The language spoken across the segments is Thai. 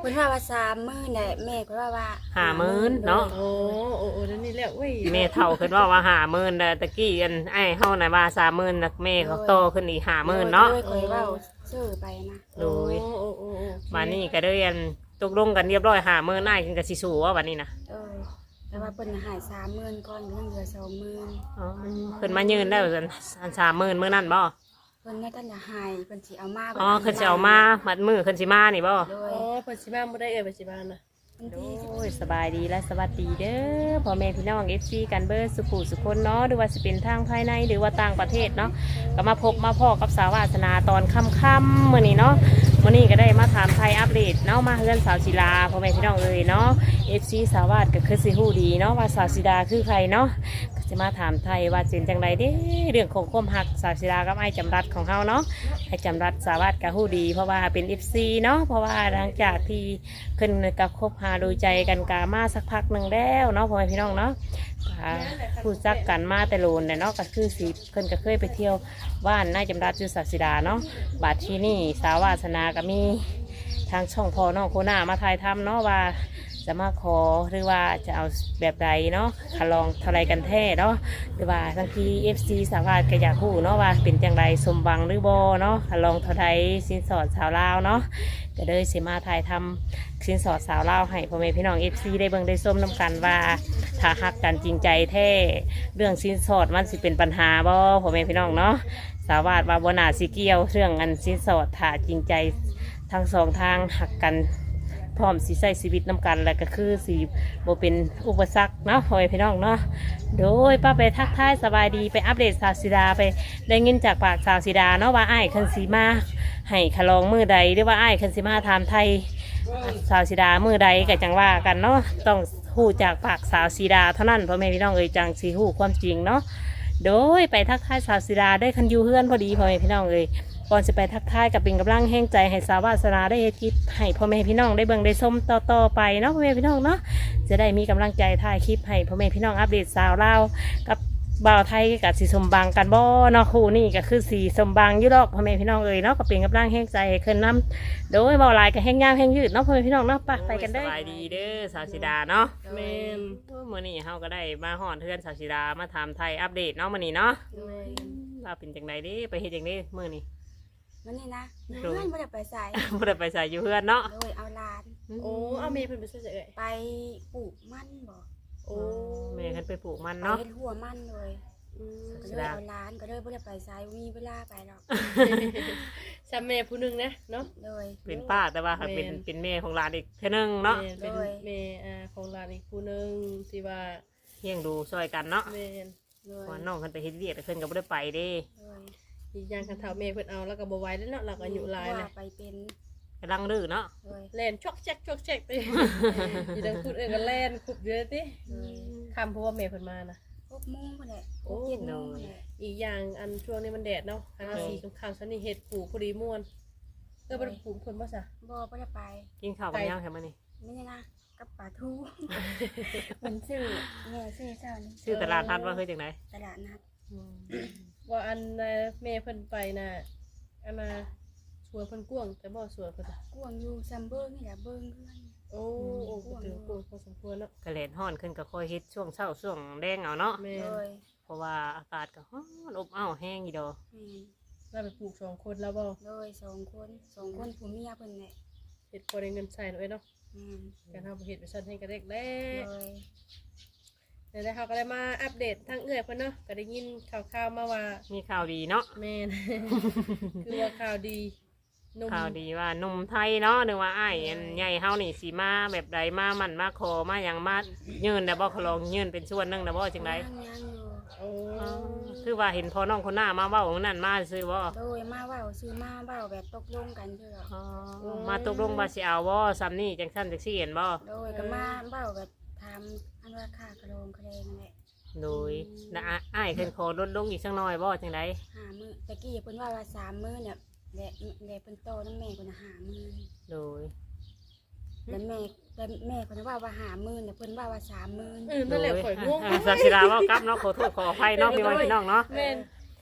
พิ่นว่า30,000แหละแม่เพิ่นว่า 50,000เนาะโอ้นั่นนี่แหละเว้ยแม่เฒ่าขึ้นว่า50,000แต่ตะกี้อันไอ้เฮาน่ะว่า30,000นะแม่เขาโตขึ้นอีก50,000เนาะโดยข่อยเว้าซื้อไปนะโดยโอ้บัดนี้ก็ได้อันตกลงกันเรียบร้อย50,000อ้ายขึ้นก็สิสู้ว่าบัดนี้นะแต่ว่าเพิ่นให้30,000ก่อนเรื่องเหลือ20,000 อ๋อขึ้นมายืนได้อัน30,000มื้อนั้นบ่เพิ่นน่ะท่านจะให้เพิ่นสิเอามาอ๋อขึ้นสิเอามามัดมือขึ้นสิมานี่บ่โดโอ้ยเพิ่นสิมาบ่ได้เปัจจุบันนะวันโดที่ยสบายดีและสวัสดีเด้อพ่อแม่พี่น้อง FC กันเบิดสุขุสุคนเนาะหรือว่าสิเป็นทางภายในหรือว่าต่างประเทศเนาะก็มาพบมาพ่อกับสาววาสนาตอนค่ำๆมื้อนี้เนาะมื้อนี้ก็ได้มาถามไทยอัปเดตเนาะมาเฮือนสาวศิลาพ่อแม่พี่น้องเอ้ยเนาะ FC สาววาสก็คือสิฮู้ดีเนาะว่าสาวศิลาคือใครเนาะก็จะมาถามไทยว่าเป็นจังไดเด้เรื่องของความฮักสาวศิลากับไอ้จำรัดของเฮาเนาะไอ้จำรัดสาววาสก็ฮู้ดีเพราะว่าเป็น FC เนาะเพราะว่าหลังจากที่เพิ่นก็คบหาดูใจกันกามาสักพักหนึ่งแล้วเนาะพ่อแม่พี่น้องเนาะพูดซักกันมาแต่โลนแต่เนาะก็คือสิเพิ่นก็เคยไปเที่ยวบ้านนายจำรัดจุสศิดาเนาะบัดที่นี่สาววาสนาก็มีทางช่องพ่อน้องโคน่ามาถ่ายทำเนาะว่าจะมาขอหรือว่าจะเอาแบบใดเนาะขลองเท่าไรกันแท้เนาะหรือว่าบางที FC สาววาสก็อยากรู้เนาะว่าเป็นจังไรสมหวังหรือบ่เนาะขลองเท่าไรสินสอดสาวลาวเนาะก็เลยสิมาถ่ายทำสินสอดสาวลาวให้พ่อแม่พี่น้อง FC ได้เบิ่งได้ส้มน้ำกันว่าถ้าฮักกันจริงใจแท้เรื่องสินสอดมันสิเป็นปัญหาบ่พ่อแม่พี่น้องเนาะสาววาสว่าบ่น่าสิเกี่ยวเรื่องอันสินสอดถ้าจริงใจทั้งสองทางฮักกันพร้อมสิใช้ชีวิตน้ำกันแล้วก็คือสิบ่เป็นอุปสรรคเนาะพ่อแม่พี่น้องเนาะโดยป้าไปทักทายสบายดีไปอัปเดตสาวศิดาไปได้ยินจากปากสาวศิดาเนาะว่าอ้ายคันสีมาให้ขลองมือใดหรือว่าอ้ายคันสีมาถามไทยสาวศิดามือใดก็จังว่ากันเนาะต้องฮู้จากปากสาวศิดาเท่านั้นพ่อแม่พี่น้องเอ่ยจังสิฮู้ความจริงเนาะโดยไปทักทายสาวศิดาได้คันอยู่เฮือนพอดีพ่อแม่พี่น้องเอ่ยก่อนจะไปทักทายกับเป็นกำลังแห้งใจให้สาววาสนาได้เฮ็ดคลิปให้พ่อแม่พี่น้องได้เบิ่งได้ชมต่อไปเนาะพ่อแม่พี่น้องเนาะจะได้มีกำลังใจถ่ายคลิปให้พ่อแม่พี่น้องอัปเดตสาวลาวกับบ่าวไทยกับสีสมบังกันบ่เนาะคู่นี่ก็คือสีสมบังยุโรปพ่อแม่พี่น้องเอ่ยเนาะก็เป็นกำลังแห้งใจให้เคินน้ำโดยบ่าวลายกับแห้งยาวแห้งยืดเนาะพ่อแม่พี่น้องเนาะไปกันเด้อสบายดีเด้อสาวศิดาเนาะแม่นมื้อนี้เฮาก็ได้มาฮอดเฮือนสาวศิดามาถามไทยอัปเดตเนาะมื้อนี้เนาะแม่นว่าเป็นจังไดเด้ไปเฮ็ดจังได๋มื้อนี้วันนี้นะเพื่อนบ่ได้ไปใส่บ่ได้ไปใส่อยู่เฮือนเนาะโดยเอาหลานโอ้เอาเมย์เพิ่นไปช่วยเอ้ยไปปลูกมันบ่โอ้แม่เพิ่นไปปลูกมันไปเนาะเฮ็ดหัวมันเลยอืมก็เลยเอาหลานก็เลยบ่ได้ไปใส่มีเวลาไปหรอกซ้ำแม่ผู้หนึงนะเนาะโดยเป็นป้าแต่ว่าค่ะเป็นแม่ของหลานอีกเท่านึงเนาะแม่เป็นแม่ของหลานอีกผู้หนึงที่ว่าเลี้ยงดูช่วยกันเนาะแม่นโดยว่าน้องเพิ่นไปเฮ็ดเวียกแต่เพิ่นก็บ่ได้ไปเด้โดยอีกอย่างคันเฒ่าแม่เพิ่นเอาแล้วก็บ่ไหวแล้วเนาะเราก็อายุหลายว่าแล้วไปเป็นกำลังดื้อเนาะโดยแล่นชอกแจ๊กไปอยู่ดังพูดก็แล่นคุบเยอะติคำเพราะว่าแม่เพิ่นมานะ 6 โมงพุ่นแหละโอ้ 7 โมงพุ่นแหละอีกอย่างอันช่วงนี้มันแดดเนาะทางอาสีข้างๆซันนี่เห็ดปลูกพอดีม่วนบ่ได้ปลูกเพิ่นบ่ซะบ่ได้ไปกินข้าวกับยังแค่มื้อนี้ไม่ใช่นะกับปลาทูมันซื้อแม่ซื้อเจ้านี่ชื่อตลาดนัดว่าคือจังไดตลาดนัดว่าอันแม่เพิ่นไปน่ะอันน่ะสวนเพิ่นกว้างแต่บ่สวนเพิ่นจ้ะกวางอยู่ซัมเบิงนี่แหละเบิงเพื่อนโอ้ก็ถือกว้างพอสมควรเนาะก็แลดฮ้อนขึ้นก็ค่อยเฮ็ดช่วงเช้าช่วงแดงเอาเนาะแม่โดยเพราะว่าอากาศก็ร้อนอบอ้าวแห้งอยู่ดอกแม่นเราไปปลูก2คนแล้วบ่โดย2 คนผัวเมียเพิ่นแหละเฮ็ดพอได้เงินใช้เนาะเอ้ยเนาะแม่นการเฮาบ่เฮ็ดไปซั่นให้ก็เด็กแล้โดวย เดี๋ยวเฮาก็ได้มาอัปเดตทางเอื้อยเพิ่นเนาะก็ได้ยินข่าวๆมาว่ามีข่าวดีเนาะแม่น คือว่าข่าวดีหนุ่มข่าวดีว่าหนุ่มไทยเนาะหรือว่าอ้ายอันใหญ่เฮานี่สิมาแบบใดมามันมาขอมาหยังมายืนได้บ่ขอลองยืนเป็นส่วนหนึงได้บ่จังไดยังอยู่โอ้คือว่าเห็นพอน้องคนหน้ามาเว้าของนั่นมาซื้อบ่โดยมาเว้าซื้อมาเว้าแบบตกลงกันเด้อมาตกลงว่าสิเอาบ่ซ้ำนี่จังซั่นจังซี่เห็นบ่โดยก็มาเว้าแบบถามอันว่าค่ากระโลงกระเลงนั่นแหละโดยนะอ้ายเพิ่นขอลดลงอีกสักหน่อยบ่จังได 5 มื้อตะกี้เพิ่นว่า3 มื้อเนี่ยแหละเพิ่นโตนำแม่เพิ่น5 มื้อโดยแล้วแม่เพิ่นว่า5 มื้อเนี่ยเพิ่นว่า3 มื้อนั่นแหละข่อยง่วงศาสิดาเว้ากลับเนาะขอโทษขออภัยเนาะพี่น้องเนาะแม่น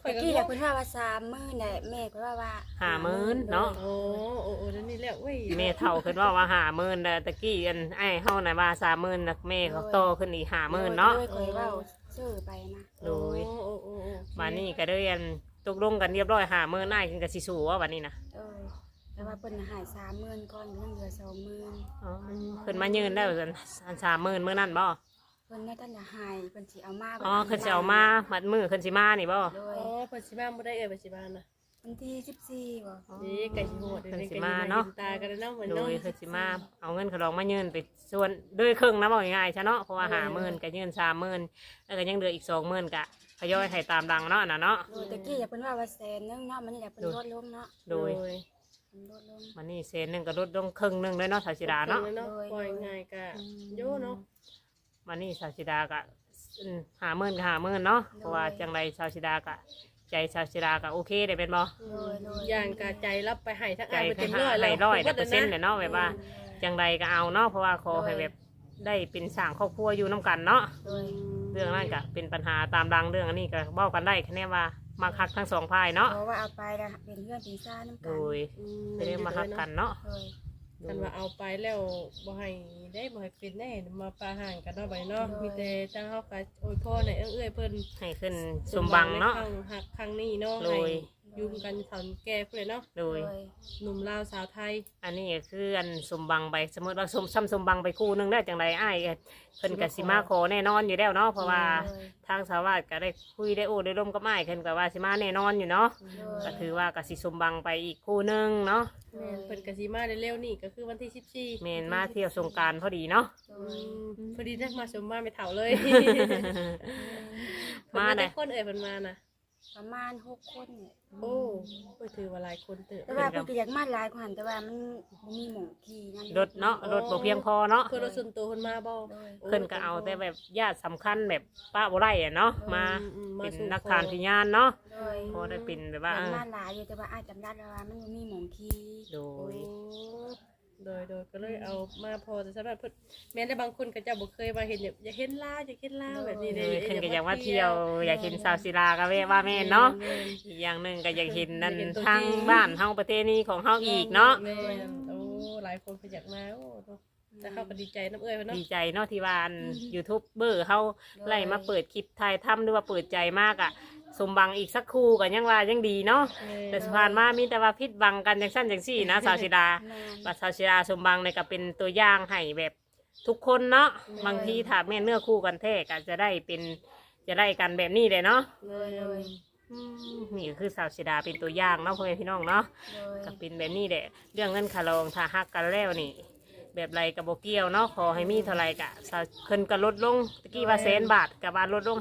ข่อยตะก็กี้งแหละงเพิ่นว่า30,000น่ะแม่เพิ่นว่า 50,000เนาะโอ้โอ้นั่นนี่แหละเว้ยแม่เฒ่าขึ้นว่า50,000แต่ตะกี้อันไอ้เฮาน่ะว่า30,000นะแม่เขาโตขึ้นอีก50,000เนาะโดยข่อยเว้าซื้อไปนะโดยโอ้โอ้บัดนี้ก็ได้อันตกลงกันเรียบร้อย50,000อ้ายขึ้นก็สิสู้ว่าบัดนี้นะแต่ว่าเพิ่นน่ะให้30,000ก่อนเพิ่นเหลือ20,000 อ๋อขึ้นมายืนได้อัน30,000มื้อนั้นบ่เพิ่นน่ะท่านน่ะให้เพิ่นสิเอามาอ๋อขึ้นสิเอามามัดมือขึ้นสิมานี่บ่โดโอ้ยเพิ่นสิมาบ่ได้เอ่ยเพิ่นสิมานะวันที่14บ่นี่ไก่สิโหดเดี๋ยวนี้เพิ่นสิไก่มาสิมาเนาะเห็นตากันแล้วเนาะเหมือนโดเนาะยขึ้นสิมาเอาเงินเขาลองมายืนไปส่วนด้วยครึ่งนะบอกง่ายๆใช่เนาะเพราะว่า50,000ก็ยืน30,000แล้วก็ยังเหลืออีก20,000ก็ทยอยให้ตามดังเนาะอันน่ะเนาะโดยตะกี้อย่าเพิ่นว่า100,000เนาะมันนี่แหละเพิ่นลดลงเนาะโดยเพิ่นลดลงมันนี่100,000ก็ลดลงครึ่งหนึงเลยเนาะสาวสิดาเนาะปล่อยง่ายกะโยเนาะมันนี่สาวสิดาก็50,000ก็50,000เนาะเพราะว่าจังไรสาวสิดาก็ใจสาวสิดาก็โอเคได้เป็นบ่อย่างกะใจรับไปให้ทั้งใจอ้ายไปให้เต็มร้อยแล้ว 100%เลยเนาะแบบว่าจังไรก็เอาเนาะเพราะว่าขอให้แบบได้เป็นสร้างครอบครัวอยู่น้กันเนาะโดยเรื่องนั้นก็เป็นปัญหาตามดังเรื่องอันนี้ก็เว้ากันได้คะแนนว่ามาคักทั้งสองฝ่ายเนาะเพราะว่าเอาไปแล้วเป็นเพื่อนเป็นซ่าน้ำโดกันยไม่ได้มาฮักกันเนาะโดยคันว่าเอาไปแล้วบ่ให้ได้บ่ให้เป็นแน่มาปาห่างกันเนาะบัดนี้เนาะมีแต่จังเฮาก็โอ้ยพ่อเนี่ยเอ้ยเพิ่นให้ขึ้นสมบังเนาะครั้งหักครั้งนี้เนาะโดยให้ยุ่มกันถอนแก่เพิ่นเลยเนาะโดยหนุ่มลาวสาวไทยอันนี้ก็คืออันสมบังไปสมมติว่าสมบังไปคู่หนึงได้จังไรอ้ายก็เพิ่นก็สิมาขอแน่นอนอยู่แล้วเนาะเพราะว่าทางสาวาสก็ได้คุยได้โอ้ได้ร่มกับอ้ายเพิ่นก็ว่าสิมาแน่นอนอยู่เนาะก็ถือว่าก็สิสมบังไปอีกคู่หนึงเนาะแม่นเพิ่นก็สิมาเร็วๆนี่ก็คือวันที่14 แม่นมาเที่ยวสงกรานต์พอดีเนาะพอดีได้มาสมมาไม่เฒ่าเลยมาได้ได้คนเอ่ยเพิ่นมานะประมาณ6คนเนี่ยโอ้ก็ถือว่าหลายคนเติบแต่ว่าเพิ่นก็อยากมาหลายกว่าแต่ว่ามันบ่มีหม่องขี่นั่นรถเนาะรถบ่เพียงพอเนาะคือรถส่วนตัวเพิ่นมาบ่โดยเพิ่นก็เอาแต่แบบญาติสำคัญแบบป้าบ่ได้อะเนาะมาเป็นนักทานพิญานเนาะโดยพอได้เป็นแบบว่ามันมาหลายอยู่แต่ว่าอาจจำได้แล้วว่ามันบ่มีหม่องขี่โดโอ้ยโดยก็เลยเอามาพอแต่สำหรับเพิ่นแม้แต่บางคนก็จะบ่เคยมาเห็นแบบอยากเห็นลาวอยากเห็นลาวแบบนี้เอเด้อเพิ่นก็อยากมาเที่ยวอยากเห็นสาวศิลาก็ว่าแม่นเนาะอีกอย่างหนึงก็อยากเห็นนั่นทางบ้านเฮาประเทศนี้ของเฮาอีกเนาะแม่นโอ้หลายคนเพิ่นอยากมาโอ้แต่เขาก็ดีใจน้ำเอ้ยเพิ่นเนาะดีใจเนาะที่ว่าอันยูทูบเบอร์เฮาไล่มาเปิดคลิปถ่ายทำหรือว่าเปิดใจมากอะสมบังอีกสักครู่ก็ยังว่ายังดีเนาะแต่สุพานมามีแต่ว่าพิษบังกันจังสั้นจังสี่นะสาวศิลาแม่นบัดสาวศิลาสมบังเนี่ยก็เป็นตัวอย่างให้แบบทุกคนเนาะบางทีถ้าแม่นเนื้อคู่กันแท้ก็จะได้เป็นจะได้กันแบบนี้เลยเนาะโดยโดยนี่ก็คือสาวศิลาเป็นตัวอย่างเนาะพ่อแม่พี่น้องเนาะโดยก็เป็นแบบนี้แหละเรื่องเงินคารองถ้าฮักกันแล้วนี่ แบบไรกับโบเกียวเนาะขอให้มีเท่าไรกะเพิ่นก็ลดลงตะกี้ว่า100,000 บาทกับว่าลดลง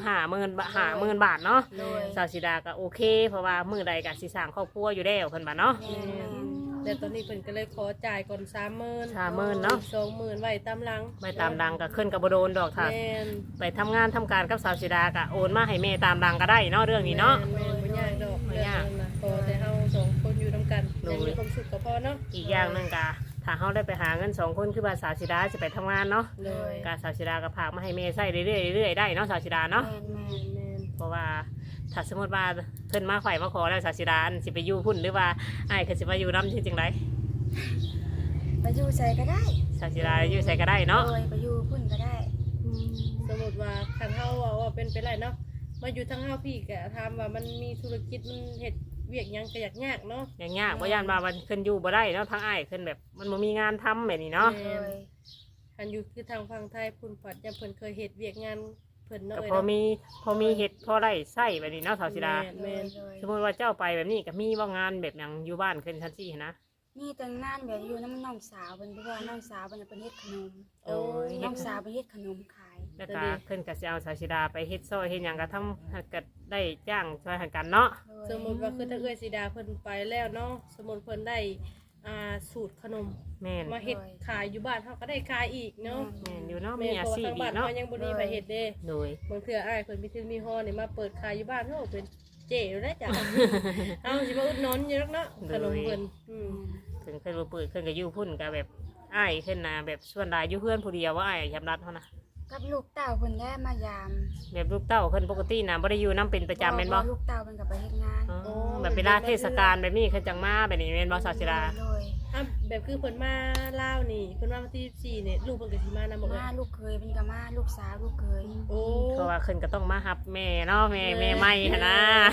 50,000 บาทเนาะโดยสาวศิดาก็โอเค เพราะว่ามือใดกะสิสร้างครอบครัวอยู่แล้วเพิ่นบ่าเนาะแม่นแม่นแต่ตอนนี้เพิ่นก็เลยขอจ่ายก่อน30,000 30,000เนาะ 20,000ไว้ตามหลังไปตามดังก็ขึ้นกับบ่โดนดอกถ้าแม่นไปทำงานทำการกับสาวศิดาก็โอนมาให้แม่ตามดังก็ได้เนาะเรื่องนี้เนาะแม่นบ่ยากดอกบ่ยากเรื่องนั้นน่ะพอแต่เฮาสองคนอยู่นํกันโดยยังมีความสุขก็พอเนาะอีกอย่างหนึงกะถ้าเฮาได้ไปหาเงิน2คนคือว่าสาวศิดาสิไปทำงานเนาะโดยกะสาวศิดาก็พากมาให้แม่ใช้เรื่อยๆได้เนาะสาวศิดาเนาะแม่นแม่นแม่นเพราะว่าถ้าสมมติว่าเพิ่นมาไข่มาขอแล้วสาวศิดาอันสิไปอยู่พุ่นหรือว่าอ้ายคือสิมาอยู่น้ำจริงๆไรไปอยู่ใส่ก็ได้สาวศิดาอยู่ใส่ก็ได้เนาะโดยไปอยู่พุ่นก็ได้สมมุติว่าคันเฮาว่าเป็นไปได้เนาะมาอยู่ทางเฮาพี่ก็ถามว่ามันมีธุรกิจมันเฮ็ดเวียกหยังก็ยากเนาะอย่างยากบ่ย่านว่ามันขึ้นอยู่บ่ได้เนาะทางอ้ายขึ้นแบบมันบ่มีงานทำแบบนี้เนาะโดยคันอยู่คือทางฝั่งไทยพุ่นปัดยังเพิ่นเคยเฮ็ดเวียกงานเพิ่นเนาะก็เอ้ยพอเนาะมีเฮ็ดพอได้ใช้แบบนี้เนาะสาวศิดาโดยโดยสมมติว่าเจ้าไปแบบนี้ก็มีว่างานแบบหยังอยู่บ้านขึ้นชั้น4นะมีแต่งงานแบบอยู่น้ำน้องสาวเป็นเพราะว่าน้องสาวเป็นเฮ็ดขนมโอ้ยน้องสาวเป็นเฮ็ดขนมขายแล้วก็ขึ้นก็สิเอาสาวศิดาไปเฮ็ดซอยเฮ็ดหยังก็ทำก็ได้จ้างช่วยหันกันเนาะสมมุติว่าคือถ้าเอื้อยสีดาเพิ่นไปแล้วเนาะสมมุติเพิ่นได้สูตรขนมแม่นมาเฮ็ดขายอยู่บ้านเฮาก็ได้ขายอีกเนาะแม่นอยู่เนาะแม่มีนอาเพราะชีว่าพทางอีบ้านกเนาะเฮายังบ่มีไปเฮ็ดเด้โดยบางเทื่ออ้ายเพิ่นมีถึงมีฮอนี่มาเปิดขายอยู่บ้านเฮาเป็นเจ๋แล้วจ้ะ เอาสิมาอุดหนุนอยู่นักเนาะขนมเพิ่นถึงขึ้นบ่เปิดขึ้นก็อยู่พุ่นก็แบบอ้ายขึ้นนะแบบส่วนหลายอยู่เพื่อนผู้เดียวว่าอ้ายยำรัดเท่านะกับลูกเต้าเพิ่นได้มายามแบบลูกเต้าเพิ่นปกติน่ะบ่ได้อยู่นํเป็นประจำแม่นบ่ลูกเต้าเพิ่นก็ไปเฮ็ดงานอ๋อแบบเวลาเทศกาลแบบนี้เพิ่นจังมาแบบนี้แม่นบ่สาวศิลาโดยแบบคือเพิ่นมาลาวนี่เพิ่นมาวันที่14นี่ลูกเพิ่นก็สิมานำบ่เอ่มาย ลูกเคยเพิ่นก็มาลูกสาวลูกเคยโอ้เพราะว่าเพิ่นก็ต้องมารับแม่เนาะแม่ใหม่หั่นนะ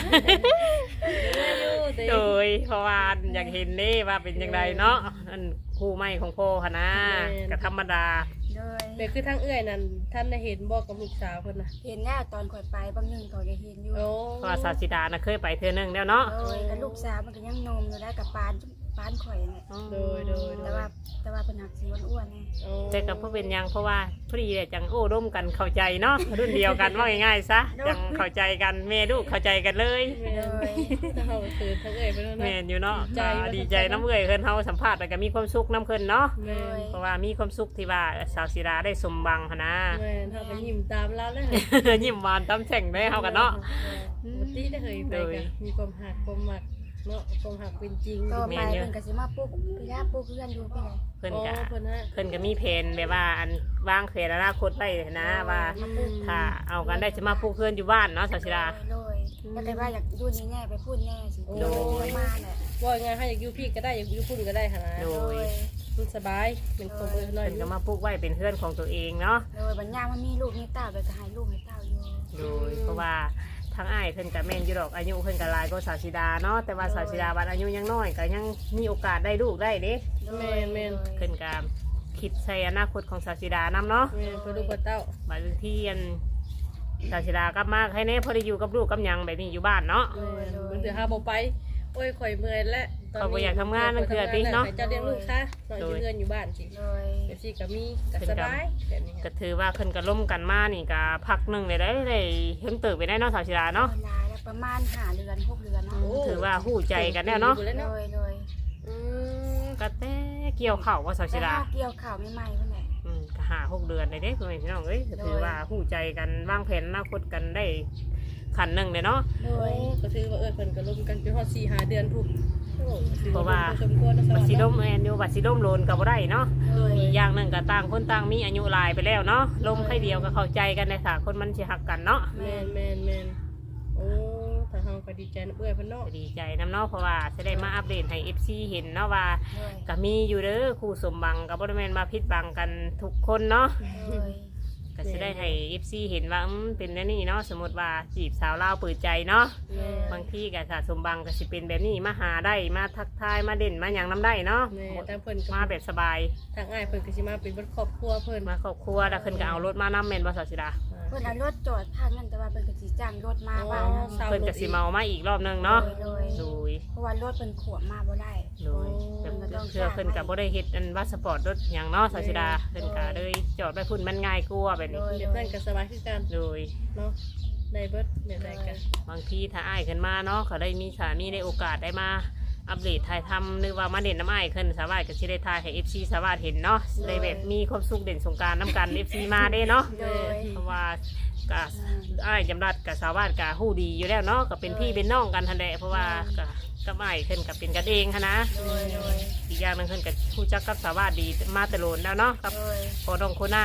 โดยเพราะว่าอยากเห็นเด้ว่าเป็นจังไดเนาะอันคู่ใหม่ของพ่อหั่นนะก็ธรรมดาโดยแบบคือทางเอื้อยนั่นท่านได้เห็นบ่กับลูกสาวเพิ่นน่ะเห็นแล้วตอนข่อยไปบางนึงเขาจะเห็นอยู่โอ้เพราะว่าสาวศิลาน่ะเคยไปเทื่อนึงแล้วเนาะโดยกับลูกสาวมันก็ยังนมอยู่ได้กับปานข่อยเนี่ยโดยโดยแต่ว่าเพิ่นหักสีอ้วนๆแน่โอ้แต่ก็บ่เป็นหยังเพราะว่าพอดีแหละจังโอ้ร่วมกันเข้าใจเนาะรุ่นเดียวกันว่าง่ายๆซะจังเข้าใจกันแม่ลูกเข้าใจกันเลยแม่ถ้าเฮาก็คือทางเอื้อยไปแล้วแม่นะนอยู่เนาะดีใจก็ดีใจน้ำเอ่ยเพิ่นเฮาสัมภาษณ์แล้วก็มีความสุขน้ำเพิ่นเนาะแม่เพราะว่ามีความสุขที่ว่าสาวศิลาได้สมบังหั่นนะแม่เฮาก็ยิ้มตามเราแล้วยิ้มหวานตามแฉ่งได้เฮากันเนาะปกติได้เคยไปกันมีความหักความหมักเนาะความหักเป็นจริงต่อไปเพิ่นก็สิมาปลูกพี่ย่าปลูกเพื่อนอยู่พี่ไหนเพิ่นโอ้ก็เพิ่นฮะเพิ่นก็มีแผนแบบว่าอันวางแผนอนาคตไว้นะว่าถ้าเอากันได้จะมาปลูกเพื่อนอยู่บ้านเนาะสาวศิลาโดยแล้วก็ว่าอยากอยู่นี่แน่ไปพูดแน่สิโดยมาแหละว่าไงให้อยากอยู่พี่ก็ได้อยากอยู่พุ่นก็ได้ค่ะนะโดยมันสบายเป็นคนน้อยเพิ่นก็มาปลูกไว้เป็นเพื่อนของตัวเองเนาะโดยบรรยามันมีลูกมีเต้าโดยก็ให้ลูกให้เต้าอยู่โดยเพราะว่าทางอ้ายเพิ่นก็แม่นอยู่ดอกอายุเพิ่นก็หลายกว่าสาวศิลาเนาะแต่ว่าสาวศิลาบัดอายุยังน้อยก็ยังมีโอกาสได้ลูกได้เด้แม่แม่เพิ่นก็คิดใส่อนาคตของสาวศิลานํเนาะแม่เพื่อลูกเต้าบางทีอันสาวศิลากลับมาให้แน่พอได้อยู่กับลูกกับหยังแบบนี้อยู่บ้านเนาะแม่มันถือหาบ่ไปโอ้ยข่อยเมื่อยแล้วเจ้าเลี้ยงลูกซะนอนอยู่เรือนอยู่บ้านสิโดยเดี๋ยวสิก็มีก็สบายแบบนี้ก็ถือว่าเพิ่นก็ล่มกันมานี่ก็พักหนึงเลยได้เพิ่งตื่นไปได้เนาะสาวศิลาเนาะเวลาแล้วประมาณ5เดือน6เดือนเนาะถือว่าหู้ใจกันแล้วเนาะโดยโดยก็แต่เกี่ยวเข่าวว่าสาวศิลาเกี่ยวข่าวใหม่ๆเพิ่นแหละก็หา6 เดือนเลยเด้เพื่อนพี่น้องเอ้ยก็ถือว่าหู้ใจกันวางแผนอนาคตกันได้ขันหนึ่งเลยเนาะโดโอ้ยก็ถือว่าเพิ่นก็ร่วมกันจนฮอด4-5 เดือนพุ่นเพราะว่าสมควรนะสบัวัตสรดีสีดมแอนอยู่บัตรสีดมโลนกับบ่ได้เนาะโดยอีกอย่างหนึ่งก็ต่างคนต่างมีอายุหลายไปแล้วเนาะลมให้เดียวก็เข้าใจกันในสาคนมันสิหักกันเนาะแม่นโอ้ทางเฮาก็ดีใจนะเอื้อยเพิ่นเนาะดีใจน้ำเนาะเพราะว่าจะได้มาอัปเดตให้ FC เห็นเนาะว่าโดยก็มีอยู่เด้อคู่สมบังกับบ่ได้แม่นมาพิดบังกันทุกคนเนาะโดยก็จะได้ให้ FC เห็นว่าเป็นแบบนี้เนาะสมมติว่าจีบสาวลาวเปิดใจเนาะแม่บางทีก็ถ้าสมบังก็สิเป็นแบบนี้มาหาได้มาทักทายมาเด่นมาหยังน้ำได้เนาะแม่ทางเพิ่นก็มาแบบสบายทางอ้ายเพิ่นก็สิมาเป็นครอบครัวเพิ่นมาครอบครัวแล้วเพิ่นก็เอารถมานำแม่นบ่สาวสิดาเพิ่นเอารถจอดทางนั้นแต่ว่าเพิ่นก็สิจ้างรถมาบ้านนะเพิ่นก็สิเมามาอีกรอบนึงเนาะโดยโดยเพราะว่ารถเพิ่นขวบมาบ่ได้โดยเพื่อเพิ่นก็บ่ได้เฮ็ดอันพาสปอร์ตรถหยังเนาะสาวสิดาเพิ่นก็เลยจอดไว้พุ่นมันง่ายกว่าแบบนี้เดี๋ยวเพิ่นก็สบายคือกันโดยเนาะได้เบิดเดี๋ยวได้กันบางทีถ้าอ้ายขึ้นมาเนาะเขาได้มีสามีได้โอกาสได้มาอัปเดตถ่ายทำหรือว่ามาเด่นน้ำอ้ายขึ้นสาวาสก็สิได้ถ่ายให้ FC สาวาสเห็นเนาะได้แบบมีความสุขเด่นสงกรารน้ำกัน FC มาได้เนาะโดยเพราะว่าก็อ้ายจำรัดกับสาวาสกับฮู้ดีอยู่แล้วเนาะก็เป็นพี่เป็นน้องกันทันแหละเพราะว่าก็อ้ายขึ้นกับเป็นกันเองหั้นนะโดยโดยอีกอย่างหนึงขึ้นกับผู้จักกับสาวาสดีมาแต่โลนแล้วเนาะกับโดยพอน้องโคน่า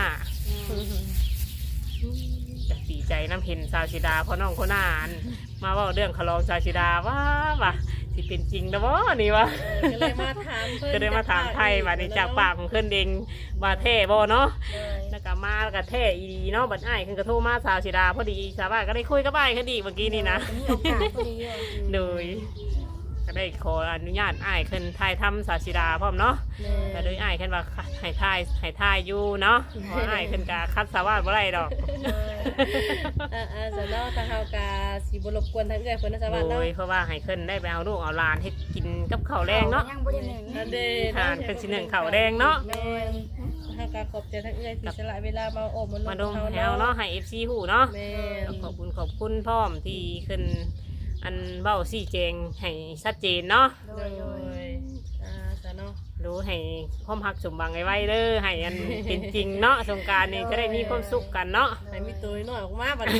จะดีใจน้ำเห็นสาวชิดาพอน้องโคน่าอันมาเว่าเรื่องขลองสาวชิดาว่าสิเป็นจริงนะวะนี่วะก็เลยมาถามเพิ่นก็ได้มาถามไทยว่านี่จากปากของเพื่อนเองว่าแท้บ่เนาะโดยแล้วก็มาแล้วก็แท้อีดีเนาะบัดอ้ายขึ้นกระโทรมาสาวชิดาพอดีสาวบ้านก็ได้คุยกับอ้ายขึ้นอีกเมื่อกี้นี่นะมีโอกาสพอดีเลยโดยก็ได้ขออนุญาตอ้ายขึ้นถ่ายทำสาวชิดาพร้อมเนาะแม่ก็โดยอ้ายขึ้นว่าให้ถ่ายอยู่เนาะเพราะอ้ายขึ้นกะคัดสาวบ้านบ่ได้ดอกจะเนาะทางเฮากาสิบ่รบกวนทางเอื้อยเพิ่นนะสวัสดีโดเนาะยเพราะว่าให้ขึ้นได้ไปเอาลูกเอาหลานให้กินกับข้าวแรงเนาะยังบ่ได้หนึ่งอันเด้ทานเป็นสิหนึ่งข้าวแดงเนาะแม่ทางการขอบใจทางเอื้อยที่สละเวลามาโอบมามาดมแถวเนาะให้ FC ฮู้เนาะแม่ขอบคุณพร้อมที่ขึ้นอันเบ้าซี่แจงให้ชัดเจนเนาะโดโดยโดยยจ้ะเนาะรู้ให้ความหักสมบังไว้เด้อให้อันเป็นจริงเนาะสงกรารนี่จะได้มีความสุขกันเนาะให้มีตัวน้อยออกมาบัดนี้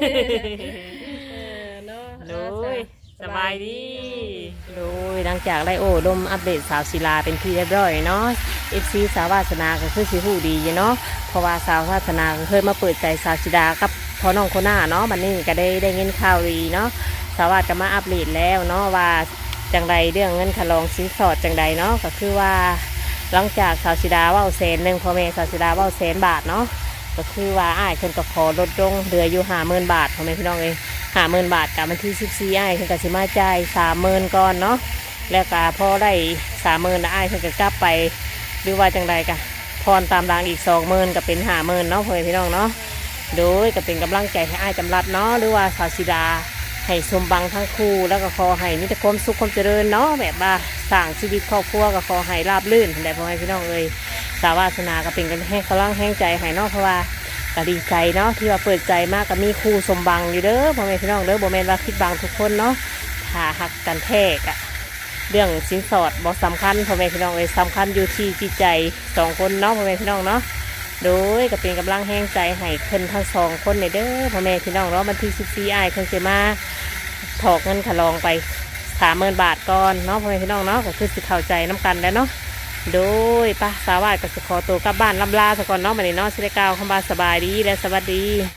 เนาะโดยสบายดีโดยหลังจากได้โอ้ดมอัปเดตสาวศิลาเป็นที่เรียบร้อยเนาะ FC สาววาสนาก็คือสิฮู้ดีอยู่เนาะเพราะว่าสาววาสนาก็เคยมาเปิดใจสาวชิดากับพ่อน้องคนหน้าเนาะบัดนี้ก็ได้เงินข่าวดีเนาะสาววาสก็มาอัปเดตแล้วเนาะว่าจังใดเรื่องเงินค่าลองสินสอดจังใดเนาะก็คือว่าหลังจากสาวชิดาว่า100,000พ่อแม่สาวชิดาว่า100,000 บาทเนาะก็คือว่าอ้ายเพิ่นก็ขอลดลงเหลืออยู่50,000 บาทพ่อแม่พี่น้องเอ้ย50,000 บาทกับวันที่14อ้ายเพิ่นก็สิมาจ่าย30,000ก่อนเนาะแล้วก็พอได้30,000อ้ายเพิ่นก็กลับไปหรือว่าจังใดกะพรตามรางอีก20,000ก็เป็น50,000เนาะพ่อแม่พี่น้องเนาะโดยก็เป็นกำลังใจให้อ้ายจำรัดเนาะหรือว่าสาวชิดาให้สมบังทั้งคู่แล้วก็ขอให้มีแต่ความสุขความเจริญเนาะแบบว่าสร้างชีวิตครอบครัวก็ขอให้ราบรื่นได้พ่อแม่พี่น้องเอ้ยสาววาสนาก็เป็นกันให้กำลังแห้งใจให้เนาะเพราะว่าก็ดีใจเนาะที่ว่าเปิดใจมากก็มีครูสมบังอยู่เด้อพ่อแม่พี่น้องเด้อบ่แม่นว่าคิดบังทุกคนเนาะถ้าหักกันแท้กะเรื่องสินสอดบ่สำคัญพ่อแม่พี่น้องเอ้ยสำคัญอยู่ที่จิตใจ2 คนเนาะพ่อแม่พี่น้องเนาะโดยก็เป็นกำลังแห้งใจให้เพิ่นทั้ง2 คนเด้อพ่อแม่พี่น้องเนาะวันที่14อ้ายเพิ่นสิมาถอกเงินค่าลองไป30,000 บาทก่อนเนาะพ่อแม่พี่น้องเนาะก็คือสิเข้าใจน้ำกันแล้วเนาะโดยป้าสาวาสก็จะขอตัวกลับบ้านลำลาซะก่อนเนาะบัดนี้เนาะสิได้กล่าวคำว่าสบายดีและสวัสดี